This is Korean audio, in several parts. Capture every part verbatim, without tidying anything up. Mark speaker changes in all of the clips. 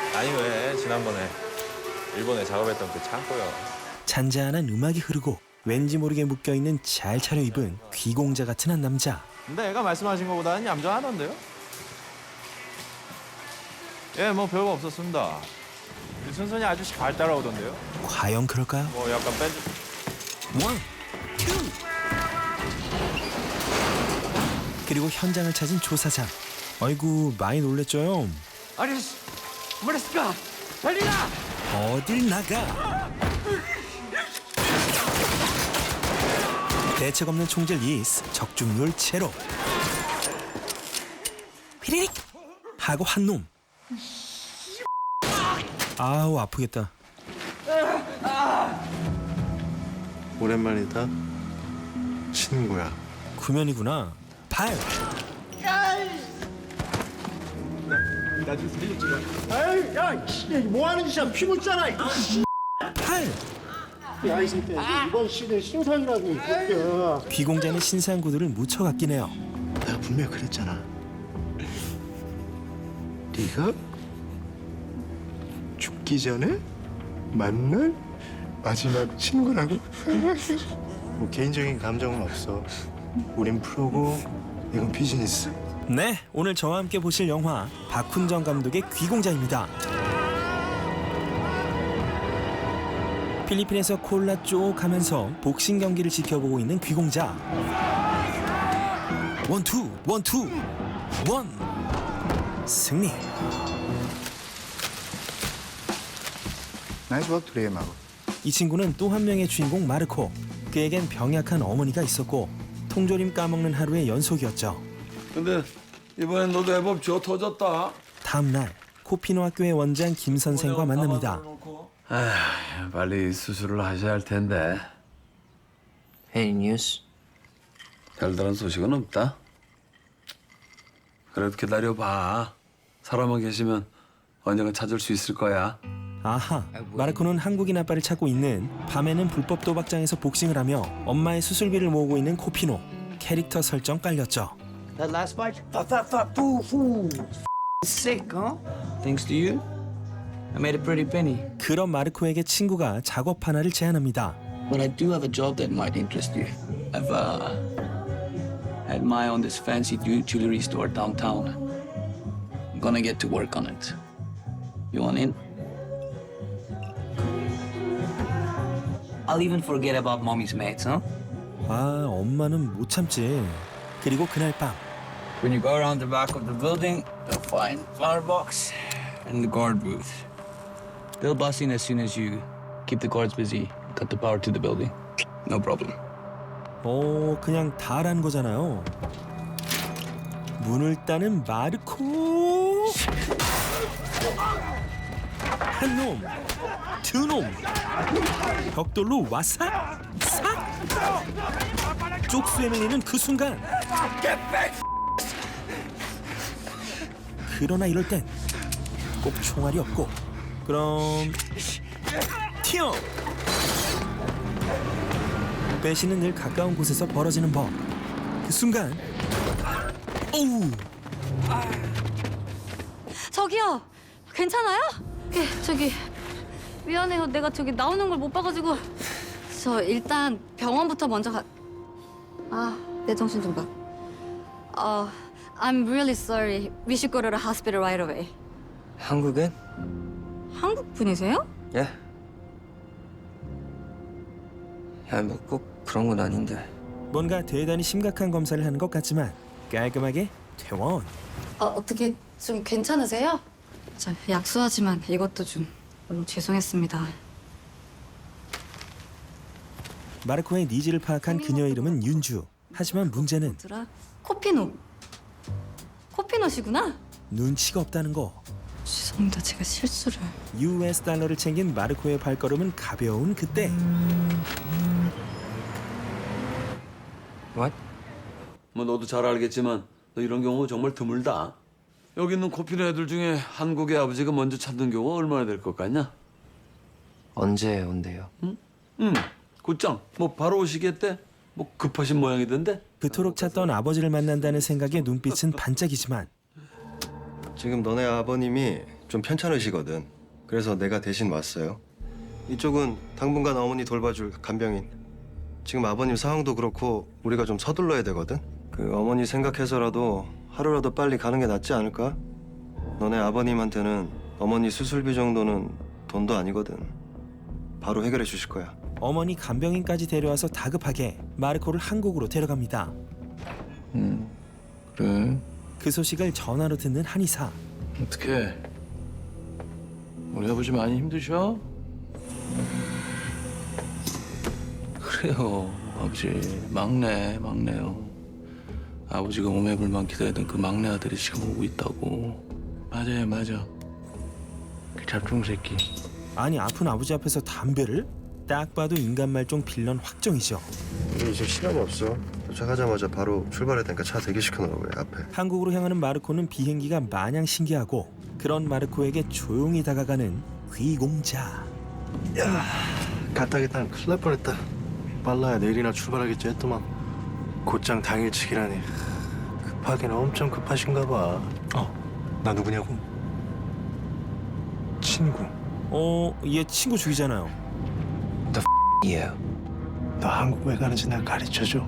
Speaker 1: 아니 왜 지난번에 일본에 작업했던 그 창고요.
Speaker 2: 잔잔한 음악이 흐르고 왠지 모르게 묶여있는 잘 차려입은 귀공자 같은 한 남자.
Speaker 1: 근데 애가 말씀하신 것보다는 얌전하던데요? 예, 뭐 별거 없었습니다. 순순히 아주 잘 따라오던데요?
Speaker 2: 과연 그럴까요?
Speaker 1: 뭐 약간 밴드...
Speaker 2: 원, 투. 그리고 현장을 찾은 조사장. 아이고 많이 놀랬죠요.
Speaker 3: 아저씨, 뭐랬을까? 달리라!
Speaker 2: 어딜 나가? 대책 없는 총질 리스 적중률 제로. 피리릭 하고 한 놈. 아우 아프겠다.
Speaker 4: 오랜만이다. 친구야.
Speaker 2: 구면이구나. 발.
Speaker 5: 에이, 야, 뭐 하는 짓이야? 피고 있잖아.
Speaker 2: 팔.
Speaker 5: 야, 이 새끼, 이번 시즌 신상이라고. 야.
Speaker 2: 귀공자는 신상 구두를 묻혀갔긴 해요.
Speaker 4: 내가 분명히 그랬잖아. 네가 죽기 전에 만날 마지막 친구라고? 뭐 개인적인 감정은 없어. 우린 프로고 이건 비즈니스.
Speaker 2: 네, 오늘 저와 함께 보실 영화 박훈정 감독의 귀공자입니다. 필리핀에서 콜라 쪽 하면서 복싱 경기를 지켜보고 있는 귀공자. 원투, 원투, 원. 승리.
Speaker 4: 나이스 워크 투데이 마고.
Speaker 2: 이 친구는 또 한 명의 주인공 마르코. 그에겐 병약한 어머니가 있었고 통조림 까먹는 하루의 연속이었죠.
Speaker 6: 근데 이번엔 너도 애법 쥐어 터졌다.
Speaker 2: 다음 날 코피노 학교의 원장 김 선생과 만납니다.
Speaker 6: 아, 빨리 수술을 하셔야 할 텐데.
Speaker 3: Any news?
Speaker 6: 별다른 소식은 없다. 그래도 기다려봐. 사람만 계시면 언젠가 찾을 수 있을 거야.
Speaker 2: 아하, 마르코는 한국인 아빠를 찾고 있는 밤에는 불법 도박장에서 복싱을 하며 엄마의 수술비를 모으고 있는 코피노. 캐릭터 설정 깔렸죠.
Speaker 3: That last fight? Fuck, fuck, fuck, foo, foo. Sick, huh? Thanks to you, I made a pretty penny.
Speaker 2: 그런 마르코에게 친구가 작업 하나를 제안합니다.
Speaker 3: But I do have a job that might interest you. I've uh, had my own this fancy ju- jewelry store downtown. I'm gonna get to work on it. You want in? I'll even forget about mommy's mates, huh?
Speaker 2: 아, 엄마는 못 참지. 그리고 그날 밤
Speaker 3: When you go around the back of the building, you'll find flower box and the guard booth. They'll bust in as soon as you keep the guards busy. Cut the power to the building. No problem.
Speaker 2: 어, 그냥 다라는 거잖아요. 문을 따는 마르코. 한 놈, 두 놈. 벽돌로 와삭, 삭. 쪽수에 밀리는 그 순간. 그러나 이럴 땐 꼭 총알이 없고 그럼 튀어. 배신은 늘 가까운 곳에서 벌어지는 법. 그 순간 오우.
Speaker 7: 저기요, 괜찮아요? 예, 저기 미안해요. 내가 저기 나오는 걸 못 봐가지고 저 일단 병원부터 먼저 가. 아, 내 정신 좀 봐. 어, I'm really sorry. We should go to the hospital right away.
Speaker 8: 한국은?
Speaker 7: 한국 분이세요?
Speaker 8: 예. 야, 뭐 꼭 그런 건 아닌데.
Speaker 2: 뭔가 대단히 심각한 검사를 하는 것 같지만 깔끔하게 퇴원.
Speaker 7: 어, 어떻게 좀 괜찮으세요? 저 약수하지만 이것도 좀 너무 죄송했습니다.
Speaker 2: 마르코의 니즈를 파악한 그녀의 이름은 윤주. 하지만 문제는
Speaker 7: 뭐더라? 코피노. 코피노시구나?
Speaker 2: 눈치가 없다는 거.
Speaker 7: 죄송합니다. 제가 실수를.
Speaker 2: 유에스 달러를 챙긴 마르코의 발걸음은 가벼운 그때.
Speaker 8: What?
Speaker 6: 뭐 너도 잘 알겠지만 너 이런 경우 정말 드물다. 여기 있는 코피노 애들 중에 한국의 아버지가 먼저 찾는 경우가 얼마나 될 것 같냐?
Speaker 8: 언제 온대요?
Speaker 6: 응, 곧장. 뭐 바로 오시겠대? 뭐 급하신 모양이던데?
Speaker 2: 그토록 찾던 아버지를 만난다는 생각에 눈빛은 반짝이지만
Speaker 4: 지금 너네 아버님이
Speaker 9: 좀 편찮으시거든. 그래서 내가 대신 왔어요. 이쪽은 당분간 어머니 돌봐줄 간병인. 지금 아버님 상황도 그렇고 우리가 좀 서둘러야 되거든. 그 어머니 생각해서라도 하루라도 빨리 가는 게 낫지 않을까? 너네 아버님한테는 어머니 수술비 정도는 돈도 아니거든. 바로 해결해 주실 거야.
Speaker 2: 어머니 간병인까지 데려와서 다급하게 마르코를 한국으로 데려갑니다.
Speaker 3: 음, 그래.
Speaker 2: 그 소식을 전화로 듣는 한의사.
Speaker 3: 어떡해. 우리 아버지 많이 힘드셔? 그래요, 아버지. 막내, 막내요. 아버지가 오매불만 기다리던 그 막내 아들이 지금 오고 있다고. 맞아요, 맞아. 그 잡종 새끼.
Speaker 2: 아니 아픈 아버지 앞에서 담배를? 딱 봐도 인간 말종 빌런 확정이죠.
Speaker 9: 우리 이제 시간 없어. 도착하자마자 바로 출발해야 되니까 차 대기시켜 놓으라고 해, 앞에.
Speaker 2: 한국으로 향하는 마르코는 비행기가 마냥 신기하고 그런 마르코에게 조용히 다가가는 귀공자.
Speaker 4: 야, 가다겠다. 큰일 날 뻔했다. 빨라야 내일이나 출발하겠지 했더만 곧장 당일치기라니. 급하긴 엄청 급하신가 봐. 어, 나 누구냐고? 친구.
Speaker 2: 어, 얘 친구 죽이잖아요.
Speaker 8: 이에요.
Speaker 4: 너 한국 왜 가는지 나 가르쳐줘.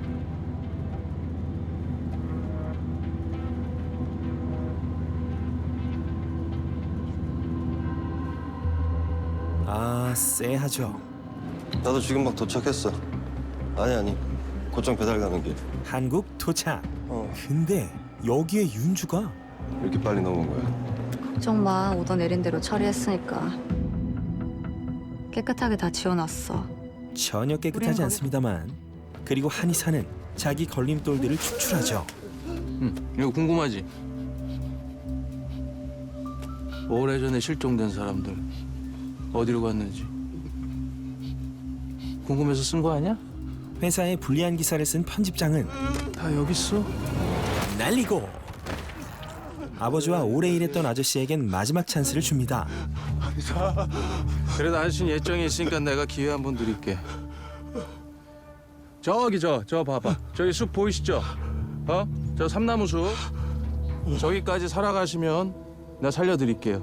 Speaker 2: 아, 쎄하죠.
Speaker 9: 나도 지금 막 도착했어. 아니 아니. 곧장 배달 가는 길.
Speaker 2: 한국 도착.
Speaker 9: 어,
Speaker 2: 근데 여기에 윤주가
Speaker 9: 이렇게 빨리 넘은 거야.
Speaker 7: 걱정 마. 오더 내린 대로 처리했으니까. 깨끗하게 다 지워놨어.
Speaker 2: 전혀
Speaker 7: 우리는
Speaker 2: 깨끗하지
Speaker 7: 거기-
Speaker 2: 않습니다만 그리고 한의사는 자기 걸림돌들을 추출하죠.
Speaker 3: 응, 이거 궁금하지? 오래전에 실종된 사람들 어디로 갔는지 궁금해서 쓴 거 아니야?
Speaker 2: 회사에 불리한 기사를 쓴 편집장은
Speaker 3: 다 여기 있어.
Speaker 2: 날리고 아버지와 오래 일했던 아저씨에겐 마지막 찬스를 줍니다.
Speaker 3: 그래도 아저씨는 예정이 있으니까 내가 기회 한 번 드릴게. 저기 저, 저 봐봐. 저기 숲 보이시죠? 어? 저 삼나무 숲. 저기까지 살아가시면 내가 살려드릴게요.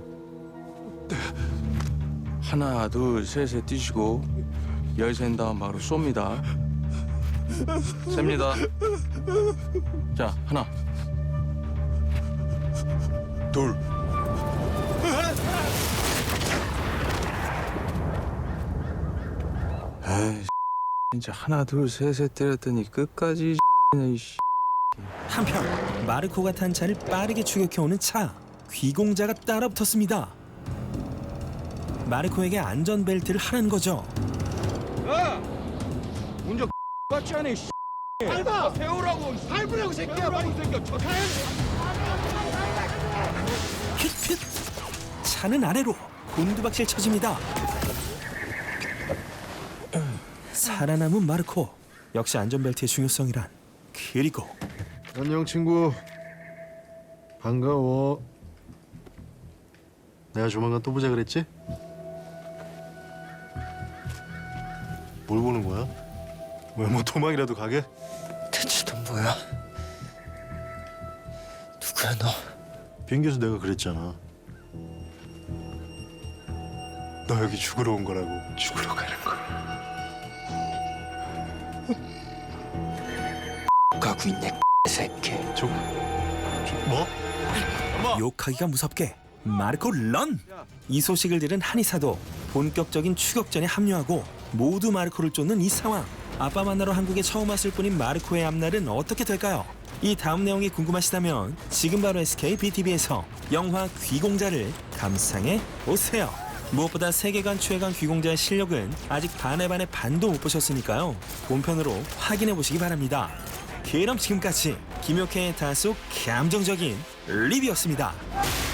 Speaker 3: 하나, 둘, 셋에 뛰시고 열센 다음 바로 쏩니다. 셉니다. 자, 하나, 둘. 에이, 진짜 하나, 둘, 셋에 때렸더니 끝까지 이
Speaker 2: 한편 마르코가 탄 차를 빠르게 추격해오는 차. 귀공자가 따라붙었습니다. 마르코에게 안전벨트를 하라는 거죠.
Speaker 1: 운전 같지 않아, 씨. 밟아! 세우라고! 밟으라고, 새끼야! 밟으라고, 새끼야!
Speaker 2: 핏핏! 차는 아래로 곤두박질 쳐집니다. 살아남은 마르코. 역시 안전벨트의 중요성이란. 그리고
Speaker 4: 안녕 친구. 반가워. 내가 조만간 또 보자 그랬지? 뭘 보는 거야? 왜 뭐 도망이라도 가게?
Speaker 8: 대체 넌 뭐야? 누구야 너?
Speaker 4: 비행기에서 내가 그랬잖아. 너 여기 죽으러 온 거라고. 죽으러 가는 거.
Speaker 8: 가고 있네 새끼.
Speaker 4: 저, 저 뭐?
Speaker 2: 욕하기가 무섭게 마르코 런! 이 소식을 들은 한의사도 본격적인 추격전에 합류하고 모두 마르코를 쫓는 이 상황. 아빠 만나러 한국에 처음 왔을 뿐인 마르코의 앞날은 어떻게 될까요? 이 다음 내용이 궁금하시다면 지금 바로 에스케이 비티비에서 영화 귀공자를 감상해 오세요. 무엇보다 세계관 최강 귀공자의 실력은 아직 반의 반의 반도 못 보셨으니까요. 본편으로 확인해 보시기 바랍니다. 그럼 지금까지 김효태의 다소 감정적인 리뷰였습니다.